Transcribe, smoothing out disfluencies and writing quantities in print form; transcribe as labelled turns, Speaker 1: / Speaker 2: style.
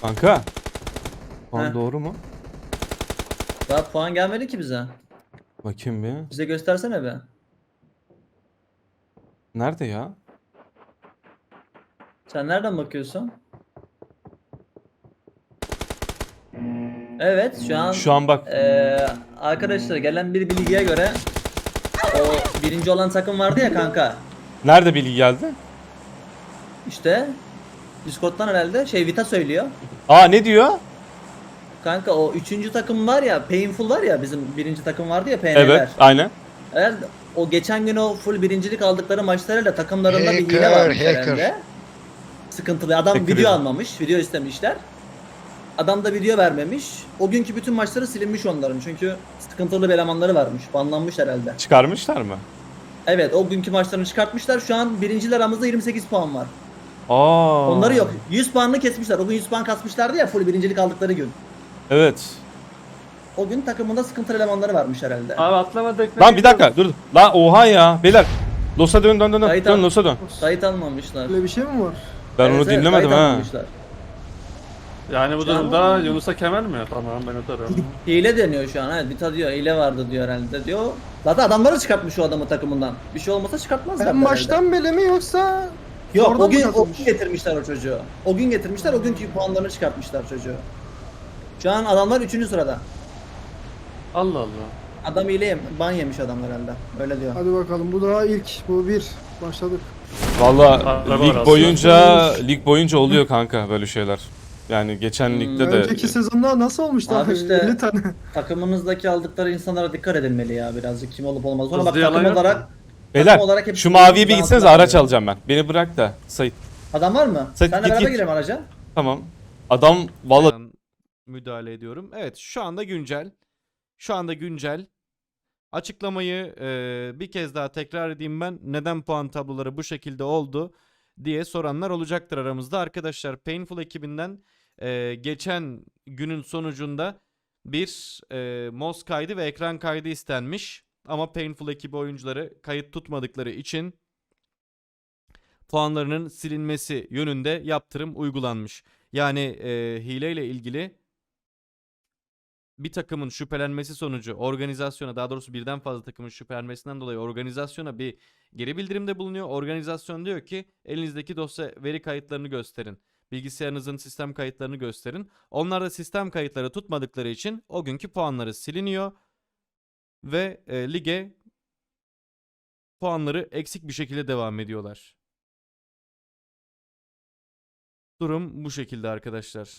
Speaker 1: Kanka. Puan
Speaker 2: Heh.
Speaker 1: doğru mu?
Speaker 2: Daha puan gelmedi ki bize.
Speaker 1: Bakayım bir.
Speaker 2: Bize göstersene be.
Speaker 1: Nerede ya?
Speaker 2: Sen nereden bakıyorsun? Evet şu an
Speaker 1: Şu an bak.
Speaker 2: arkadaşlar gelen bir bilgiye göre o birinci olan takım vardı ya kanka.
Speaker 1: Nerede bilgi geldi?
Speaker 2: İşte Discord'dan herhalde Vita söylüyor.
Speaker 1: Aa, ne diyor?
Speaker 2: Kanka o üçüncü takım var ya, Painful var ya, bizim birinci takım vardı ya, PN'ler.
Speaker 1: Evet, aynen.
Speaker 2: Herhalde o geçen gün o full birincilik aldıkları maçlarıyla takımlarında bir hile
Speaker 3: Hacker,
Speaker 2: varmış
Speaker 3: hacker.
Speaker 2: herhalde. Sıkıntılı. Adam
Speaker 1: Hacker
Speaker 2: video
Speaker 1: ya.
Speaker 2: almamış, video istemişler. Adam da video vermemiş. O günkü bütün maçları silinmiş onların çünkü sıkıntılı bir elemanları varmış. Banlanmış herhalde.
Speaker 1: Çıkarmışlar mı?
Speaker 2: Evet, o günkü maçlarını çıkartmışlar. Şu an birinciler aramızda 28 puan var.
Speaker 1: Aa.
Speaker 2: Onları yok. 100 puanını kesmişler. O gün 100 puan kasmışlardı ya full birincilik aldıkları gün.
Speaker 1: Evet.
Speaker 2: O gün takımında sıkıntılı elemanları varmış herhalde.
Speaker 4: Abi atlamadık.
Speaker 1: Lan bir dakika dur. Lan oha ya. Beyler. Los'a dön dön dön.
Speaker 2: Kayıt
Speaker 1: Dön
Speaker 2: al.
Speaker 1: Los'a dön.
Speaker 2: Kayıt almamışlar.
Speaker 5: Öyle bir şey mi var?
Speaker 1: Ben
Speaker 2: Evet,
Speaker 1: onu
Speaker 2: evet,
Speaker 1: dinlemedim
Speaker 2: kayıt
Speaker 1: ha.
Speaker 2: almamışlar.
Speaker 4: Yani bu
Speaker 2: Şu an-
Speaker 4: durumda Yunus'a kemer mi? Tamam ben atarım.
Speaker 2: Hile deniyor şu an. Evet, Vita diyor hile vardı diyor herhalde diyor. Zaten adamları çıkartmış o adamı takımından. Bir şey olmasa çıkartmazlar.
Speaker 5: En baştan beri mi yoksa
Speaker 2: Yok,
Speaker 5: sonradan
Speaker 2: o gün,
Speaker 5: mı
Speaker 2: o
Speaker 5: katılmış?
Speaker 2: gün getirmişler o çocuğu. O gün getirmişler, o günkü puanlarını çıkartmışlar çocuğu. Şu an adamlar 3. sırada.
Speaker 4: Allah Allah.
Speaker 2: Adam hile ban yemiş adam herhalde. Öyle diyor.
Speaker 5: Hadi bakalım bu daha ilk. Bu bir. Başladık.
Speaker 1: Valla
Speaker 4: Araba
Speaker 1: lig
Speaker 4: arası.
Speaker 1: boyunca oluyor kanka böyle şeyler. Yani geçen ligde de
Speaker 5: Önceki sezonda nasıl olmuştu
Speaker 2: Abi
Speaker 5: abi?
Speaker 2: işte-
Speaker 5: 50 tane.
Speaker 2: Takımınızdaki aldıkları insanlara dikkat edilmeli ya birazcık kim olup olmaz. Sonra bak
Speaker 4: Hızlı yalan
Speaker 2: takım
Speaker 4: yok
Speaker 2: olarak
Speaker 4: mu?
Speaker 1: beyler
Speaker 2: olarak hepsi
Speaker 1: şu maviye bir
Speaker 2: birbirinden
Speaker 1: gitsenize,
Speaker 2: altına
Speaker 1: araç
Speaker 2: kalıyor.
Speaker 1: alacağım ben. Beni bırak da Sait.
Speaker 2: adam var mı?
Speaker 1: Sen
Speaker 2: Senle
Speaker 1: git,
Speaker 2: beraber
Speaker 1: git.
Speaker 2: girelim araca.
Speaker 1: Tamam. Adam valla
Speaker 6: Ben müdahale ediyorum. Evet, şu anda güncel. Şu anda güncel. Açıklamayı bir kez daha tekrar edeyim ben. Neden puan tabloları bu şekilde oldu diye soranlar olacaktır aramızda. Arkadaşlar Painful ekibinden geçen günün sonucunda bir mouse kaydı ve ekran kaydı istenmiş. Ama Painful ekibi oyuncuları kayıt tutmadıkları için puanlarının silinmesi yönünde yaptırım uygulanmış. Yani hileyle ilgili bir takımın şüphelenmesi sonucu organizasyona, daha doğrusu birden fazla takımın şüphelenmesinden dolayı organizasyona bir geri bildirimde bulunuyor. Organizasyon diyor ki elinizdeki dosya veri kayıtlarını gösterin. Bilgisayarınızın sistem kayıtlarını gösterin. Onlar da sistem kayıtları tutmadıkları için o günkü puanları siliniyor ve lige puanları eksik bir şekilde devam ediyorlar. Durum bu şekilde arkadaşlar.